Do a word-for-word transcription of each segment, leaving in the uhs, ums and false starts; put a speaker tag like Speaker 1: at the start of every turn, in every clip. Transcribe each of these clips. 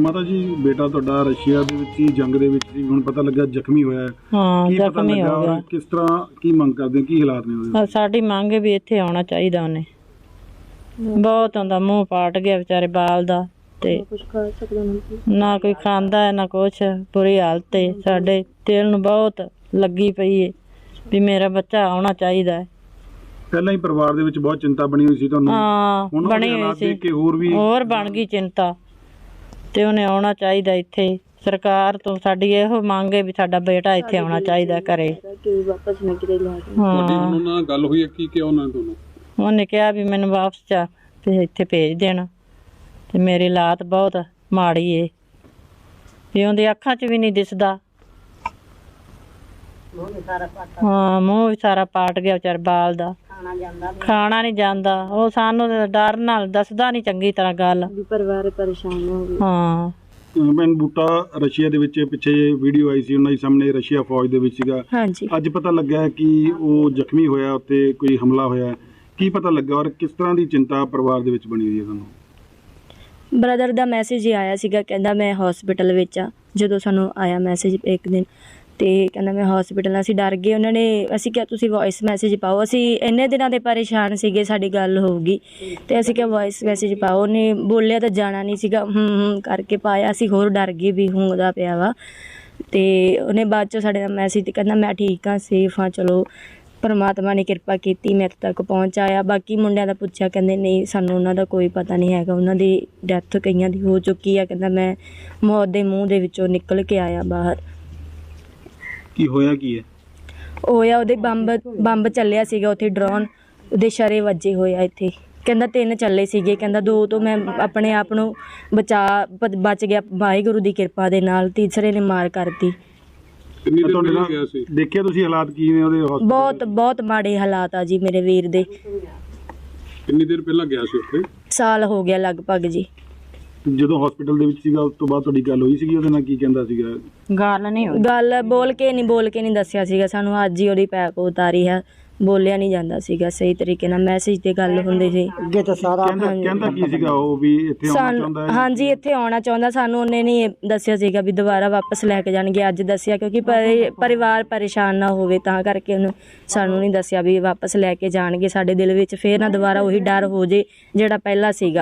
Speaker 1: ਮਾਤਾ ਜੀ ਬੇਟਾ ਤੁਹਾਡਾ ਰਸ਼ੀਆ ਦੇ ਵਿੱਚ ਹੀ ਜੰਗ ਦੇ ਵਿੱਚ ਸੀ, ਹੁਣ ਪਤਾ ਲੱਗਾ ਜ਼ਖਮੀ ਹੋਇਆ ਹੈ।
Speaker 2: ਹਾਂ,
Speaker 1: ਕੀ ਪਤਾ
Speaker 2: ਜ਼ਖਮੀ
Speaker 1: ਲੱਗਾ
Speaker 2: ਹੋ ਗਿਆ।
Speaker 1: ਔਰ ਕਿਸ ਤਰ੍ਹਾਂ ਕੀ ਮੰਗ ਕਰਦੇ ਹੋ, ਕੀ ਹਾਲਾਤ ਨੇ ਉਹਦੇ?
Speaker 2: ਸਾਡੀ ਮੰਗ ਵੀ ਇੱਥੇ ਆਉਣਾ ਚਾਹੀਦਾ। ਉਹਨੇ ਬਹੁਤ ਹੁੰਦਾ, ਮੂੰਹ ਪਾਟ ਗਿਆ ਵਿਚਾਰੇ ਬਾਲ ਦਾ, ਤੇ ਨਾ ਕੋਈ ਖਾਂਦਾ ਹੈ ਨਾ ਕੁਛ। ਬੁਰੀ ਹਾਲਤ ਹੈ, ਸਾਡੇ ਦਿਲ ਨੂੰ ਬਹੁਤ ਲੱਗੀ ਪਈ ਹੈ ਵੀ ਮੇਰਾ ਬੱਚਾ ਆਉਣਾ ਚਾਹੀਦਾ ਹੈ।
Speaker 1: ਪਹਿਲਾਂ ਹੀ ਪਰਿਵਾਰ ਦੇ ਵਿੱਚ ਬਹੁਤ ਚਿੰਤਾ ਬਣੀ ਹੋਈ ਸੀ ਤੁਹਾਨੂੰ?
Speaker 2: ਹਾਂ, ਬਣੀ ਹੋਈ ਸੀ,
Speaker 1: ਕਿ ਹੋਰ ਵੀ
Speaker 2: ਹੋਰ ਬਣ ਗਈ ਚਿੰਤਾ। ਤੇ ਉਹਨੇ ਆਉਣਾ ਚਾਹੀਦਾ ਇੱਥੇ। ਸਰਕਾਰ ਤੋਂ ਸਾਡੀ ਇਹੋ ਮੰਗ ਹੈ ਵੀ ਸਾਡਾ ਬੇਟਾ ਇੱਥੇ ਆਉਣਾ ਚਾਹੀਦਾ ਘਰੇ।
Speaker 1: ਤੁਹਾਡੀ ਉਹਨਾਂ ਨਾਲ ਗੱਲ ਹੋਈ ਹੈ? ਕੀ ਕਿਹਾ ਉਹਨਾਂ ਨੇ ਤੁਹਾਨੂੰ?
Speaker 2: ਉਹਨੇ ਕਿਹਾ ਵੀ ਮੈਨੂੰ ਵਾਪਸ ਜਾ ਤੇ ਇੱਥੇ ਭੇਜ ਦੇਣਾ, ਤੇ ਮੇਰੀ ਹਾਲਾਤ ਬਹੁਤ ਮਾੜੀ ਏ ਵੀ ਉਹਦੀ ਅੱਖਾਂ 'ਚ ਵੀ ਨਹੀਂ ਦਿਸਦਾ। ਹਾਂ, ਮੂੰਹ ਵੀ ਸਾਰਾ ਪਾਟ ਗਿਆ ਵਿਚਾਰ ਬਾਲ ਦਾ, ਖਾਣਾ ਨਹੀਂ ਜਾਂਦਾ। ਉਹ ਸਾਨੂੰ ਡਰ ਨਾਲ ਦੱਸਦਾ ਨਹੀਂ ਚੰਗੀ ਤਰ੍ਹਾਂ ਗੱਲ,
Speaker 3: ਪਰਿਵਾਰ ਪਰੇਸ਼ਾਨ ਹੋ ਗਿਆ।
Speaker 2: ਹਾਂ,
Speaker 1: ਮੈਨ ਬੂਟਾ ਰਸ਼ੀਆ ਦੇ ਵਿੱਚ ਪਿੱਛੇ ਵੀਡੀਓ ਆਈ ਸੀ, ਉਹਨਾਂ ਦੇ ਸਾਹਮਣੇ ਰਸ਼ੀਆ ਫੌਜ ਦੇ ਵਿੱਚ ਸੀਗਾ।
Speaker 3: ਹਾਂਜੀ,
Speaker 1: ਅੱਜ ਪਤਾ ਲੱਗਾ ਕਿ ਉਹ ਜ਼ਖਮੀ ਹੋਇਆ, ਉੱਤੇ ਕੋਈ ਹਮਲਾ ਹੋਇਆ। ਕੀ ਪਤਾ ਲੱਗਾ ਔਰ ਕਿਸ ਤਰ੍ਹਾਂ ਦੀ ਚਿੰਤਾ ਪਰਿਵਾਰ ਦੇ ਵਿੱਚ ਬਣੀ ਹੋਈ ਹੈ ਤੁਹਾਨੂੰ?
Speaker 3: ਬ੍ਰਦਰ ਦਾ ਮੈਸੇਜ ਹੀ ਆਇਆ ਸੀਗਾ, ਕਹਿੰਦਾ ਮੈਂ ਹਸਪੀਟਲ ਵਿੱਚ ਆ। ਜਦੋਂ ਸਾਨੂੰ ਆਇਆ ਮੈਸੇਜ ਇੱਕ ਦਿਨ, ਤੇ ਕਹਿੰਦਾ ਮੈਂ ਹਸਪੀਟਲ। ਅਸੀਂ ਡਰ ਗਏ। ਉਹਨਾਂ ਨੇ ਅਸੀਂ ਕਿਹਾ ਤੁਸੀਂ ਵੌਇਸ ਮੈਸੇਜ ਪਾਓ, ਅਸੀਂ ਇੰਨੇ ਦਿਨਾਂ ਦੇ ਪਰੇਸ਼ਾਨ ਸੀਗੇ, ਸਾਡੀ ਗੱਲ ਹੋਊਗੀ, ਤੇ ਅਸੀਂ ਕਿਹਾ ਵੌਇਸ ਮੈਸੇਜ ਪਾਓ। ਉਹਨੇ ਬੋਲਿਆ ਤਾਂ ਜਾਣਾ ਨਹੀਂ ਸੀਗਾ, ਹੂੰ ਹੂੰ ਕਰਕੇ ਪਾਇਆ। ਅਸੀਂ ਹੋਰ ਡਰ ਗਏ ਵੀ ਹੁੰਗਦਾ ਪਿਆ ਵਾ। ਤੇ ਉਹਨੇ ਬਾਅਦ 'ਚੋਂ ਸਾਡੇ ਨਾਲ ਮੈਸੇਜ ਤੇ ਕਹਿੰਦਾ ਮੈਂ ਠੀਕ ਹਾਂ, ਸੇਫ ਹਾਂ, ਚਲੋ ਪਰਮਾਤਮਾ ਨੇ ਕਿਰਪਾ ਕੀਤੀ, ਮੈਂ ਇੱਥੇ ਤੱਕ ਪਹੁੰਚ ਆਇਆ। ਬਾਕੀ ਮੁੰਡਿਆਂ ਦਾ ਪੁੱਛਿਆ, ਕਹਿੰਦੇ ਨਹੀਂ ਸਾਨੂੰ ਉਹਨਾਂ ਦਾ ਕੋਈ ਪਤਾ ਨਹੀਂ ਹੈਗਾ, ਉਹਨਾਂ ਦੀ ਡੈਥ ਕਈਆਂ ਦੀ ਹੋ ਚੁੱਕੀ ਆ। ਕਹਿੰਦਾ ਮੈਂ ਮੌਤ ਦੇ ਮੂੰਹ ਦੇ ਵਿੱਚੋਂ ਨਿਕਲ ਕੇ ਆਇਆ ਬਾਹਰ।
Speaker 1: ਕੀ ਹੋਇਆ ਕੀ ਹੈ?
Speaker 3: ਹੋਇਆ ਉਹਦੇ ਬੰਬ ਬੰਬ ਚੱਲਿਆ ਸੀਗਾ ਉੱਥੇ, ਡਰੋਨ ਉਹਦੇ ਸ਼ਰੇ ਵੱਜੇ ਹੋਏ ਆ ਇੱਥੇ। ਕਹਿੰਦਾ ਤਿੰਨ ਚੱਲੇ ਸੀਗੇ, ਕਹਿੰਦਾ ਦੋ ਤੋਂ ਮੈਂ ਆਪਣੇ ਆਪ ਨੂੰ ਬਚਾ ਬਚ ਗਿਆ ਵਾਹਿਗੁਰੂ ਦੀ ਕਿਰਪਾ ਦੇ ਨਾਲ, ਤੀਸਰੇ ਨੇ ਮਾਰ ਕਰਤੀ।
Speaker 1: ਤੁਹਾਡੇ ਨਾਲ ਦੇਖਿਆ ਤੁਸੀਂ ਹਾਲਾਤ ਕੀ ਨੇ ਉਹਦੇ?
Speaker 3: ਬਹੁਤ ਬਹੁਤ ਮਾੜੇ ਹਾਲਾਤ ਆ ਜੀ ਮੇਰੇ ਵੀਰ ਦੇ।
Speaker 1: ਕਿੰਨੀ ਦੇਰ ਪਹਿਲਾਂ ਗਿਆ ਸੀ ਉੱਥੇ?
Speaker 3: ਸਾਲ ਹੋ ਗਿਆ ਲਗਭਗ ਜੀ।
Speaker 1: ਜਦੋਂ ਹਸਪੀਟਲ ਦੇ ਵਿੱਚ ਸੀਗਾ ਉਸ ਤੋਂ ਬਾਅਦ ਤੁਹਾਡੀ ਗੱਲ ਹੋਈ ਸੀਗੀ ਉਹਦੇ ਨਾਲ? ਕੀ ਕਹਿੰਦਾ ਸੀਗਾ?
Speaker 2: ਗੱਲ ਨਹੀਂ ਹੋਈ,
Speaker 3: ਗੱਲ ਬੋਲ ਕੇ ਨਹੀਂ ਬੋਲ ਕੇ ਨਹੀਂ ਦੱਸਿਆ ਸੀਗਾ ਸਾਨੂੰ। ਅੱਜ ਹੀ ਉਹਦੀ ਪੈਕ ਉਤਾਰੀ ਹੈ, ਬੋਲਿਆ ਨਹੀਂ ਜਾਂਦਾ ਸੀਗਾ ਸਹੀ ਤਰੀਕੇ ਨਾਲ। ਮੈਸੇਜ ਤੇ ਗੱਲ ਹੁੰਦੀ ਸੀ।
Speaker 2: ਅੱਗੇ ਤਾਂ ਸਾਰਾ
Speaker 1: ਕਹਿੰਦਾ ਕੀ ਸੀਗਾ ਉਹ ਵੀ ਇੱਥੇ ਆਉਣਾ ਚਾਹੁੰਦਾ ਹੈ?
Speaker 3: ਹਾਂਜੀ, ਇੱਥੇ ਆਉਣਾ ਚਾਹੁੰਦਾ। ਸਾਨੂੰ ਉਹਨੇ ਨਹੀਂ ਦੱਸਿਆ ਸੀਗਾ ਵੀ ਦੁਬਾਰਾ ਵਾਪਸ ਲੈ ਕੇ ਜਾਣਗੇ। ਅੱਜ ਦੱਸਿਆ ਕਿਉਂਕਿ ਪਰਿਵਾਰ ਪਰੇਸ਼ਾਨ ਨਾ ਹੋਵੇ, ਤਾਂ ਕਰਕੇ ਉਹਨੂੰ ਸਾਨੂੰ ਨਹੀਂ ਦੱਸਿਆ ਵੀ ਵਾਪਸ ਲੈ ਕੇ ਜਾਣਗੇ। ਸਾਡੇ ਦਿਲ ਵਿੱਚ ਫੇਰ ਨਾ ਦੁਬਾਰਾ ਉਹੀ ਡਰ ਹੋ ਜੇ ਜਿਹੜਾ ਪਹਿਲਾਂ ਸੀਗਾ।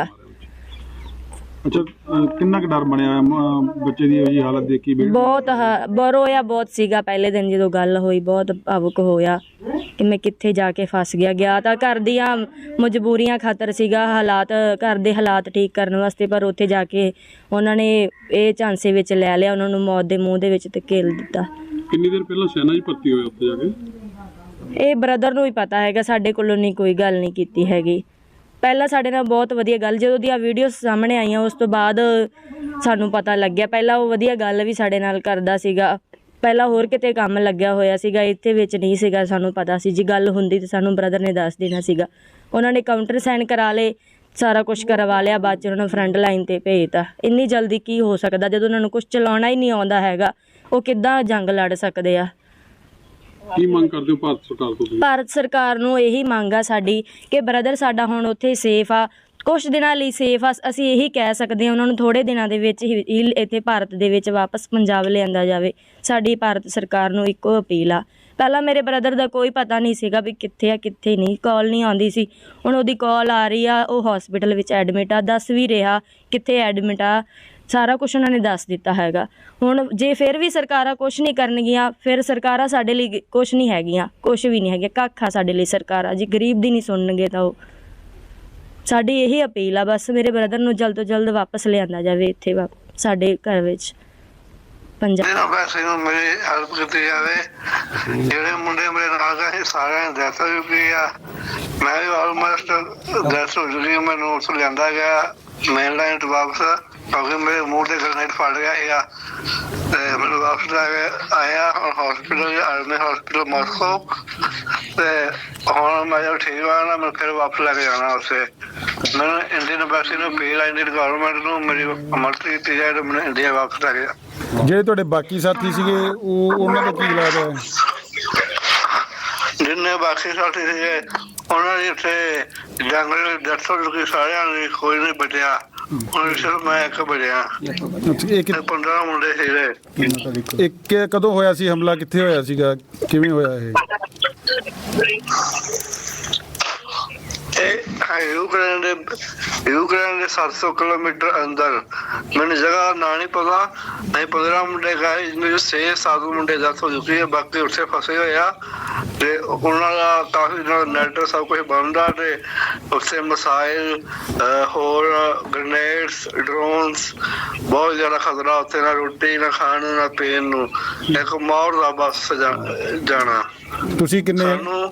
Speaker 1: ਅੱਛਾ, ਕਿੰਨਾ ਕੁ ਡਰ ਬਣਿਆ ਹੋਇਆ ਬੱਚੇ ਦੀ ਉਹੀ ਹਾਲਤ ਦੇਖੀ?
Speaker 3: ਬਹੁਤ ਬਰੋਇਆ ਬਹੁਤ ਸੀਗਾ ਪਹਿਲੇ ਦਿਨ ਜਦੋਂ ਗੱਲ ਹੋਈ, ਬਹੁਤ ਭਾਵੁਕ ਹੋਇਆ ਕਿ ਮੈਂ ਕਿੱਥੇ ਜਾ ਕੇ ਫਸ ਗਿਆ। ਗਿਆ ਤਾਂ ਘਰ ਦੀਆਂ ਮਜਬੂਰੀਆਂ ਖਾਤਰ ਸੀਗਾ, ਹਾਲਾਤ ਘਰ ਦੇ ਹਾਲਾਤ ਠੀਕ ਕਰਨ ਵਾਸਤੇ, ਪਰ ਉੱਥੇ ਜਾ ਕੇ ਉਹਨਾਂ ਨੇ ਇਹ ਝਾਂਸੇ ਵਿੱਚ ਲੈ ਲਿਆ, ਉਹਨਾਂ ਨੂੰ ਮੌਤ ਦੇ ਮੂੰਹ ਦੇ ਵਿੱਚ ਧਕੇਲ ਦਿੱਤਾ।
Speaker 1: ਕਿੰਨੀ ਦੇਰ ਪਹਿਲਾਂ ਸੈਨਾ 'ਚ ਭਰਤੀ ਹੋਇਆ ਉੱਥੇ ਜਾ ਕੇ?
Speaker 3: ਇਹ ਬ੍ਰਦਰ ਨੂੰ ਹੀ ਪਤਾ ਹੈਗਾ, ਸਾਡੇ ਕੋਲੋਂ ਨਹੀਂ ਕੋਈ ਗੱਲ ਨਹੀਂ ਕੀਤੀ ਹੈਗੀ। ਪਹਿਲਾਂ ਸਾਡੇ ਨਾਲ ਬਹੁਤ ਵਧੀਆ ਗੱਲ, ਜਦੋਂ ਦੀਆਂ ਵੀਡੀਓ ਸਾਹਮਣੇ ਆਈਆਂ ਉਸ ਤੋਂ ਬਾਅਦ ਸਾਨੂੰ ਪਤਾ ਲੱਗਿਆ। ਪਹਿਲਾਂ ਉਹ ਵਧੀਆ ਗੱਲ ਵੀ ਸਾਡੇ ਨਾਲ ਕਰਦਾ ਸੀਗਾ, ਪਹਿਲਾਂ ਹੋਰ ਕਿਤੇ ਕੰਮ ਲੱਗਿਆ ਹੋਇਆ ਸੀਗਾ, ਇੱਥੇ ਵਿੱਚ ਨਹੀਂ ਸੀਗਾ। ਸਾਨੂੰ ਪਤਾ ਸੀ ਜੀ ਗੱਲ ਹੁੰਦੀ ਤਾਂ ਸਾਨੂੰ ਬ੍ਰਦਰ ਨੇ ਦੱਸ ਦੇਣਾ ਸੀਗਾ। ਉਹਨਾਂ ਨੇ ਕਾਊਂਟਰ ਸਾਈਨ ਕਰਾ ਲਏ, ਸਾਰਾ ਕੁਛ ਕਰਵਾ ਲਿਆ, ਬਾਅਦ 'ਚ ਉਹਨਾਂ ਨੂੰ ਫਰੰਟ ਲਾਈਨ 'ਤੇ ਭੇਜਤਾ। ਇੰਨੀ ਜਲਦੀ ਕੀ ਹੋ ਸਕਦਾ? ਜਦੋਂ ਉਹਨਾਂ ਨੂੰ ਕੁਛ ਚਲਾਉਣਾ ਹੀ ਨਹੀਂ ਆਉਂਦਾ ਹੈਗਾ, ਉਹ ਕਿੱਦਾਂ ਜੰਗ ਲੜ ਸਕਦੇ ਆ?
Speaker 1: ਕੀ ਮੰਗ ਕਰਦੇ ਹੋ ਭਾਰਤ ਸਰਕਾਰ ਤੋਂ?
Speaker 3: ਭਾਰਤ ਸਰਕਾਰ ਨੂੰ ਇਹੀ ਮੰਗ ਆ ਸਾਡੀ ਕਿ ਬ੍ਰਦਰ ਸਾਡਾ ਹੁਣ ਉੱਥੇ ਸੇਫ ਆ, ਕੁਛ ਦਿਨਾਂ ਲਈ ਸੇਫ ਆ। ਅਸੀਂ ਇਹੀ ਕਹਿ ਸਕਦੇ ਹਾਂ ਉਹਨਾਂ ਨੂੰ ਥੋੜ੍ਹੇ ਦਿਨਾਂ ਦੇ ਵਿੱਚ ਹੀ ਇੱਥੇ ਭਾਰਤ ਦੇ ਵਿੱਚ ਵਾਪਸ ਪੰਜਾਬ ਲਿਆਂਦਾ ਜਾਵੇ। ਸਾਡੀ ਭਾਰਤ ਸਰਕਾਰ ਨੂੰ ਇੱਕੋ ਅਪੀਲ ਆ। ਪਹਿਲਾਂ ਮੇਰੇ ਬ੍ਰਦਰ ਦਾ ਕੋਈ ਪਤਾ ਨਹੀਂ ਸੀਗਾ ਵੀ ਕਿੱਥੇ ਆ ਕਿੱਥੇ ਨਹੀਂ, ਕਾਲ ਨਹੀਂ ਆਉਂਦੀ ਸੀ। ਹੁਣ ਉਹਦੀ ਕਾਲ ਆ ਰਹੀ ਆ, ਉਹ ਹਸਪੀਟਲ ਵਿੱਚ ਐਡਮਿਟ ਆ, ਦੱਸ ਵੀ ਰਿਹਾ ਕਿੱਥੇ ਐਡਮਿਟ ਆ, ਸਾਰਾ ਕੁਛ ਉਹਨਾਂ ਨੇ ਦੱਸ ਦਿੱਤਾ ਹੈਗਾ। ਹੁਣ ਜੇ ਫਿਰ ਵੀ ਸਰਕਾਰਾਂ ਕੁਛ ਨਹੀਂ ਕਰਨਗੀਆਂ, ਫਿਰ ਸਰਕਾਰਾਂ ਸਾਡੇ ਲਈ ਕੁਛ ਨਹੀਂ ਹੈਗੀਆਂ, ਕੁਛ ਵੀ ਨਹੀਂ ਹੈਗੀਆਂ, ਕੱਖ ਆ ਸਾਡੇ ਲਈ ਸਰਕਾਰਾਂ। ਜੇ ਗਰੀਬ ਦੀ ਨਹੀਂ ਸੁਣਨਗੇ ਤਾਂ ਉਹ ਸਾਡੀ ਇਹੀ ਅਪੀਲ ਆ ਬਸ, ਮੇਰੇ ਬ੍ਰਦਰ ਨੂੰ ਜਲਦ ਤੋਂ ਜਲਦ ਵਾਪਸ ਲਿਆਂਦਾ ਜਾਵੇ ਇੱਥੇ ਸਾਡੇ ਘਰ ਵਿੱਚ ਪੰਜਾਬ।
Speaker 4: ਵੈਸੇ ਮੇਰੀ ਹੈਲਪ ਕੀਤੀ ਜਾਵੇ। ਜਿਹੜੇ ਮੁੰਡੇ ਮੇਰੇ ਨਾਲ ਗਏ ਸਾਰਿਆਂ ਦੀ ਡੈਥ ਹੋ ਚੁੱਕੀ ਆ, ਮੈਂ ਵੀ ਆਲਮੋਸਟ ਡੈਥ ਹੋ ਚੁੱਕੀ। ਮੈਨੂੰ ਉੱਥੋਂ ਲਿਆਂਦਾ ਗਿਆ ਮੇਨ ਲਾਈਨ ਤੋਂ ਵਾਪਸ, ਕਿਉਂਕਿ ਮੇਰੇ ਮੂੰਹ ਦੇ ਗ੍ਰੇਨੇਡ ਫਟ ਗਿਆ ਸੀਗਾ, ਤੇ ਮੈਨੂੰ ਵਾਪਸ ਲੈ ਕੇ ਆਇਆ ਹਸਪੀਟਲ, ਆਰਮੀ ਹਸਪੀਟਲ ਮਾਸਕੋ। ਤੇ ਹੁਣ ਮੈਂ ਜਦੋਂ ਠੀਕ ਹੋਇਆ ਨਾ, ਮੈਂ ਫਿਰ ਵਾਪਸ ਲੈ ਕੇ ਜਾਣਾ ਉੱਥੇ। ਮੈਨੂੰ ਇੰਡੀਅਨ ਐਮਬੈਸੀ ਨੂੰ ਅਪੀਲ ਆ, ਇੰਡੀਅਨ ਗਵਰਨਮੈਂਟ ਨੂੰ ਮੇਰੀ ਮਦਦ ਕੀਤੀ ਜਾਏ ਤੇ ਮੈਨੂੰ ਇੰਡੀਆ ਵਾਪਸ ਲੈ ਕੇ ਜਾ।
Speaker 1: ਜਿਹੜੇ ਤੁਹਾਡੇ ਬਾਕੀ ਸਾਥੀ ਸੀਗੇ ਉਹ ਉਹਨਾਂ ਦਾ ਕੀ ਇਲਾਜ ਹੈ?
Speaker 4: ਜਿੰਨੇ ਬਾਕੀ ਸਾਥੀ ਸੀਗੇ ਉਹਨਾਂ ਦੀ ਉੱਥੇ ਜੰਗ ਡੈਥ ਹੋ ਚੁੱਕੀ ਸਾਰਿਆਂ ਦੀ, ਕੋਈ ਨਹੀਂ ਬਚਿਆ। ਹੁਣ ਸਿਰਫ ਮੈਂ ਇੱਕ ਬੜਿਆ
Speaker 1: ਅੱਛਾ, ਇਹ ਕਿ-
Speaker 4: ਪੰਦਰਾਂ ਮੁੰਡੇ ਸੀਗੇ।
Speaker 1: ਇਹ ਕਿ- ਕਦੋਂ ਹੋਇਆ ਸੀ ਹਮਲਾ, ਕਿੱਥੇ ਹੋਇਆ ਸੀਗਾ, ਕਿਵੇਂ ਹੋਇਆ ਇਹ?
Speaker 4: ਇਹ ਯੂਕਰੇਨ ਦੇ ਯੂਕਰੇਨ ਦੇ ਸੱਤ ਸੌ ਕਿਲੋਮੀਟਰ ਅੰਦਰ, ਮੈਨੂੰ ਜਗ੍ਹਾ ਦਾ ਨਾਂ ਨਹੀਂ ਪਤਾ। ਨਹੀਂ ਪੰਦਰਾਂ ਮੁੰਡੇ ਗਏ, ਮੇਰੇ ਛੇ ਸੱਤ ਮੁੰਡੇ ਡੈਥ ਹੋ ਚੁੱਕੀ ਹੈ, ਬਾਕੀ ਉੱਥੇ ਫਸੇ ਹੋਏ ਆ ਤੇ ਉਹਨਾਂ ਦਾ ਕਾਫੀ ਨੈਟ ਸਭ ਕੁਝ ਬਣਦਾ ਤੇ ਉੱਥੇ ਮਿਸਾਈਲ, ਹੋਰ ਗ੍ਰੇਨੇਡਸ, ਡਰੋਨਸ, ਬਹੁਤ ਜ਼ਿਆਦਾ ਖਤਰਾ ਉੱਥੇ। ਨਾ ਰੋਟੀ, ਨਾ ਖਾਣ ਨੂੰ, ਨਾ ਪੀਣ ਨੂੰ, ਇੱਕ ਮੌਤ ਦਾ ਬਸ ਜਾਣਾ।
Speaker 1: ਤੁਸੀਂ ਕਿੰਨੇ?
Speaker 4: ਸਾਨੂੰ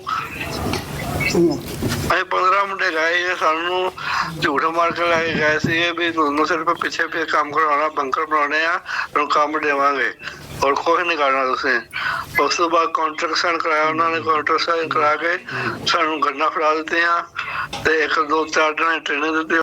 Speaker 4: ਅਸੀਂ ਪੰਦਰਾਂ ਮੁੰਡੇ ਗਏ, ਸਾਨੂੰ ਝੂਠ ਮਾਰ ਕੇ ਲੈ ਕੇ ਗਏ ਸੀ ਵੀ ਤੁਹਾਨੂੰ ਸਿਰਫ ਪਿੱਛੇ ਪਿੱਛੇ ਕੰਮ ਕਰਵਾਉਣਾ, ਬੰਕਰ ਬਣਾਉਣੇ ਆ, ਤੁਹਾਨੂੰ ਕੰਮ ਦੇਵਾਂਗੇ, ਹੋਰ ਕੁਛ ਨਹੀਂ ਕਰਨਾ ਤੁਸੀਂ। ਉਸ ਤੋਂ ਬਾਅਦ ਕਾਂਟਰੈਕਟ ਸਾਈਨ ਕਰਾਇਆ ਉਹਨਾਂ ਨੇ, ਕਾਂਟਰੈਕਟ ਸਾਈਨ ਕਰਾ ਕੇ ਸਾਨੂੰ ਗੰਨਾਂ ਫੜਾ ਦਿੱਤੀਆਂ ਤੇ ਇੱਕ ਦੋ ਚਾਰ ਦਿਨ ਟ੍ਰੇਨਿੰਗ ਦਿੱਤੀ।